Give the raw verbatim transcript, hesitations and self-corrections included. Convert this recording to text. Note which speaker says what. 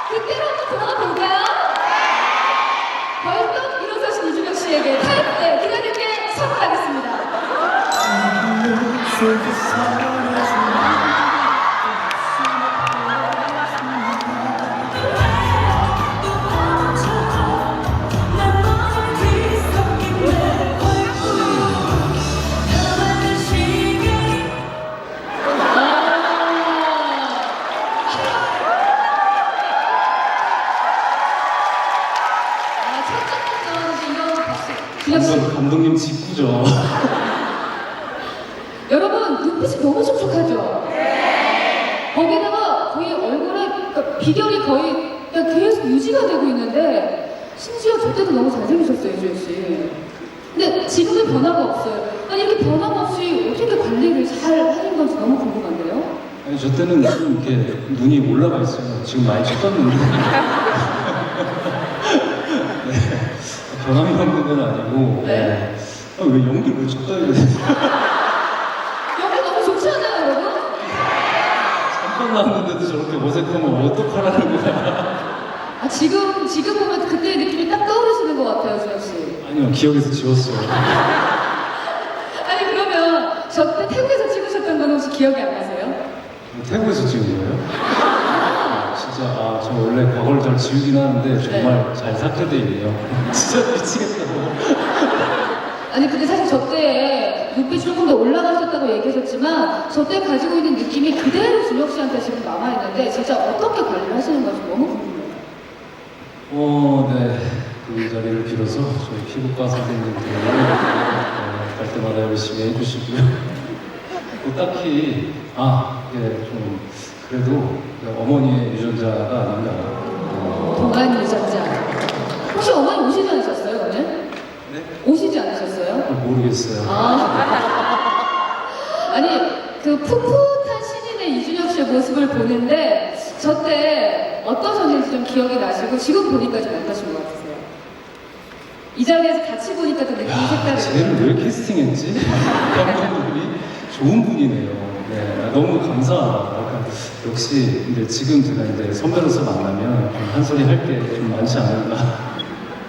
Speaker 1: 그때로 한번 돌아가 볼까요? 벌떡 일어서신 이준혁 씨에게 타이틀 기자님께 선물하겠습니다.
Speaker 2: 감독, 감독님 직구죠.
Speaker 1: 여러분 눈빛이 너무 촉촉하죠? 네. 거기다가 거의 얼굴에 그러니까 비결이 거의 그냥 계속 유지가 되고 있는데 심지어 저 때도 너무 잘생기셨어요, 이주혁 씨. 근데 지금은 변화가 없어요. 아니 이렇게 변화가 없이 어떻게 관리를 잘 하는 건지 너무 궁금한데요?
Speaker 2: 아니 저 때는 좀 이렇게 눈이 올라가 있어요. 지금 많이 쳤었는데. 네. 변함이 없는 건 아니고.
Speaker 1: 네.
Speaker 2: 아, 왜 연기 왜 쳤다 이래?
Speaker 1: 여기 너무 좋지 않아요, 여러분?
Speaker 2: 잠깐 나왔는데도 저렇게 어색하면 어떡하라는 거야?
Speaker 1: 아 지금 지금 보면 그때의 느낌이 딱 떠오르시는 것 같아요, 주혁 씨.
Speaker 2: 아니요, 기억에서 지웠어요.
Speaker 1: 아니 그러면 저 때 태국에서 찍으셨던 건 혹시 기억이 안 나세요?
Speaker 2: 태국에서 찍은 거예요? 아, 진짜 아, 저 원래 과거를 잘 지우긴 하는데 정말
Speaker 1: 네.
Speaker 2: 잘 삭제돼 있네요. 진짜 미치겠다고.
Speaker 1: 아니 근데 사실 저 때에 눈빛이 조금 더 올라가셨다고 얘기하셨지만 저 때 가지고 있는 느낌이 그대로 준혁 씨한테 지금 남아있는데 진짜 어떻게 관리를 하시는 건지 너무 궁금해요.
Speaker 2: 어, 네. 그 자리를 빌어서 저희 피부과 선생님들 어, 갈 때마다 열심히 해주시고요. 뭐 딱히 아, 이게 좀 그래도 어머니의 유전자가 아닌가. 어,
Speaker 1: 동안 유전자. 혹시 어머니 오시지 않으셨어요 오늘?
Speaker 2: 네?
Speaker 1: 오시지 않으셨어요?
Speaker 2: 모르겠어요.
Speaker 1: 아. 아니 그 풋풋한 신인의 이준혁 씨의 모습을 보는데 저 때 어떠셨는지 좀 기억이 나시고 지금 보니까 좀 어떠신 것 같으세요? 이 자리에서 같이 보니까 또 느낌이
Speaker 2: 야,
Speaker 1: 색다르죠?
Speaker 2: 쟤를 왜 캐스팅했지? 감독님이 좋은 분이네요. 네, 너무 감사하다. 약간 역시 근데 지금 제가 이제 선배로서 만나면 좀 한 소리 할 게 좀 많지 않을까.